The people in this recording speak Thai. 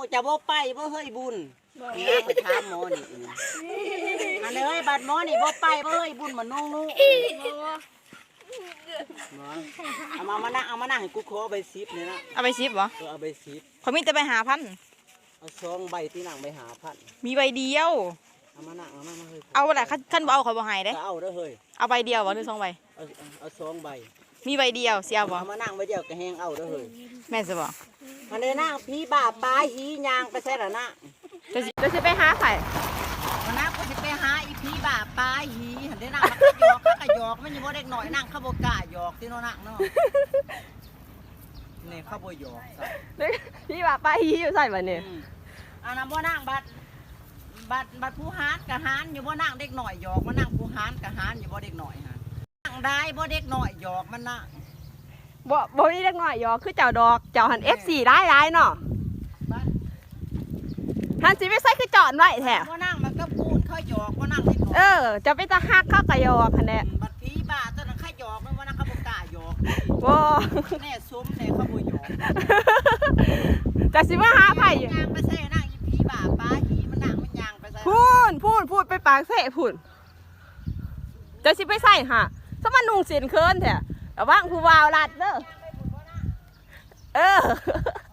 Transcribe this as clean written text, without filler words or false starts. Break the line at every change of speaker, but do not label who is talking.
จะบ่ไปบ่เฮ้ยบุญนี่ไปถามหมอนี่อันเลยบัดหมอนี่บ่ไปบ่เฮ้ยบุญมันนุ่งเอามานั่งให้กูขอใบซิปเนี่ยนะ
เอาไปซิปบ่
เอาใบซิป
เขามีแต่ไปหาพัน
เอา2 ใบที่นั่งไปหาพัน
มีใบเดียว
เอามานั่งเฮ้ย
เอาแหละขั้นบ่เอาเขาบ่ให้เด้
เอาเด้อเฮ้ย
เอาใบเดียวบ่หรือ2 ใบ
เอา2 ใบ
มีใบเดียวเสียบ่
เอามานั่งใบเดียวก็แห้งเอาเด้อเฮ้ย
แม่นสิบ่
อันนี้นั่งพี่บาปลาหียางไปใส่ละนะ
จะสิไปหาไผ
วันนั้นกูจะไปหาอีพี่บาปลาหีหันได้นั่งมันก็หยอกมันอยู่บ่เด็กหน่อยนั่งข้าวโบกาหยอกที่โน่นนั่งเนาะนี่ข้าวโบหยอก
พี่ว่าไปฮีอยู่ใส่บ่เนี่ย
อันนั้นบ่นั่งบัดผู้หานกับหานอยู่บ่นั่งเด็กหน่อยหยอกมานั่งผู้หานกับหานอยู่บ่เด็กหน่อยฮะนั่งได้บ่เด็กหน่อยหยอกมันนะ
บ่มีเล็กน้อยหยอกคือเจ้าดอกเจ้าหัน F4 ร้ายเนาะหันสิไปใส่คือจอดไว้แท้
บ่นั่งมันก็ปูนเขาหยอกบ่นั่งเด็กหน่อย
จะไปตะฮักเข้าก็หยอกหั่นแหละ
บัดพี่บ้าตอนนั้นเขาหยอกมันบ่นั่งข้าวโบกาหยอก
บ่
แน่ซุ้มแน่ข้าวโบหยอก
จะสิมาหาไผ
ยางไปใส่นั่งอีพี่บาปลาหีมันนั่งมันยางไปใส่
พูดไปปากเสะพูดจะสิไปใส่ฮะสมันนุ่งสินเคินแท้ระวังผู้วาวลัดเด้อ